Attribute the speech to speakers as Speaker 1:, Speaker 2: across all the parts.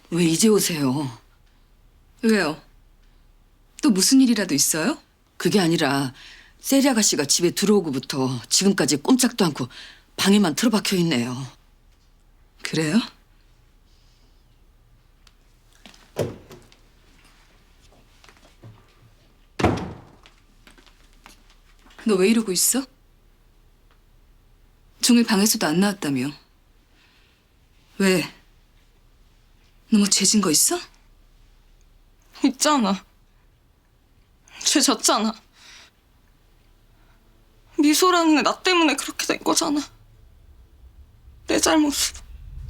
Speaker 1: 왜 이제 오세요?
Speaker 2: 왜요? 또 무슨 일이라도 있어요?
Speaker 1: 그게 아니라 세리 아가씨가 집에 들어오고부터 지금까지 꼼짝도 않고 방에만 틀어박혀 있네요.
Speaker 2: 그래요? 너 왜 이러고 있어? 종일 방에서도 안 나왔다며. 왜? 너 뭐 죄진 거 있어?
Speaker 3: 있잖아. 죄 졌잖아. 미소라는 애 나 때문에 그렇게 된 거잖아. 내 잘못으로.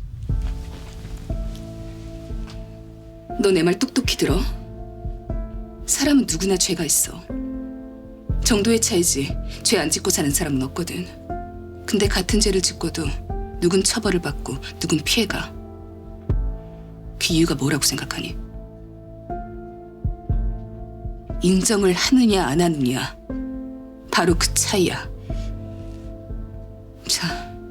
Speaker 2: 너 내 말 똑똑히 들어. 사람은 누구나 죄가 있어. 정도의 차이지 죄 안 짓고 사는 사람은 없거든. 근데 같은 죄를 짓고도 누군 처벌을 받고 누군 피해가. 그 이유가 뭐라고 생각하니? 인정을 하느냐 안 하느냐. 바로 그 차이야. 자,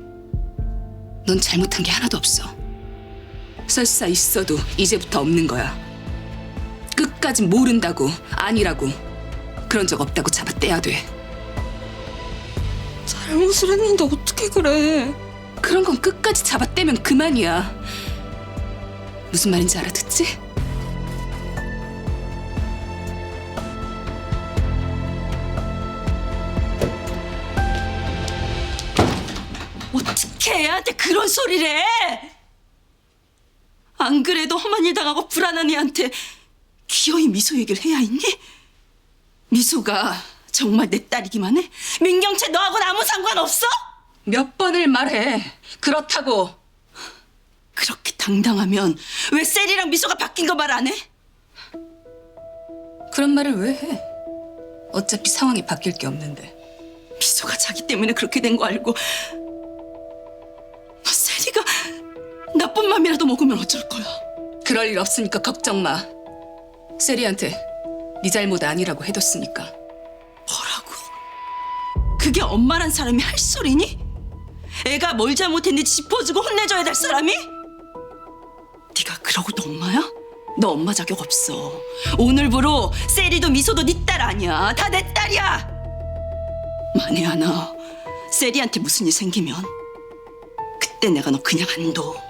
Speaker 2: 넌 잘못한 게 하나도 없어. 설사 있어도 이제부터 없는 거야. 끝까지 모른다고, 아니라고, 그런 적 없다고 잡아떼야 돼.
Speaker 3: 잘못을 했는데 어떻게 그래.
Speaker 2: 그런 건 끝까지 잡아떼면 그만이야. 무슨 말인지 알아듣지?
Speaker 1: 어떻게 애한테 그런 소리를 해? 안 그래도 험한 일 당하고 불안한 애한테 기어이 미소 얘기를 해야 했니? 미소가 정말 내 딸이기만 해? 민경채 너하고는 아무 상관없어?
Speaker 2: 몇 번을 말해. 그렇다고.
Speaker 1: 그렇게 당당하면 왜 셀이랑 미소가 바뀐 거 말 안 해?
Speaker 2: 그런 말을 왜 해? 어차피 상황이 바뀔 게 없는데.
Speaker 1: 미소가 자기 때문에 그렇게 된 거 알고 너 셀이가 나쁜 맘이라도 먹으면 어쩔 거야?
Speaker 2: 그럴 일 없으니까 걱정 마. 세리한테 네 잘못 아니라고 해뒀으니까.
Speaker 1: 뭐라고? 그게 엄마란 사람이 할 소리니? 애가 뭘 잘못했는지 짚어주고 혼내줘야 될 사람이? 네가 그러고도 엄마야? 너 엄마 자격 없어. 오늘부로 세리도 미소도 네 딸 아니야. 다 내 딸이야. 만에 하나 세리한테 무슨 일 생기면 그때 내가 너 그냥 안 둬.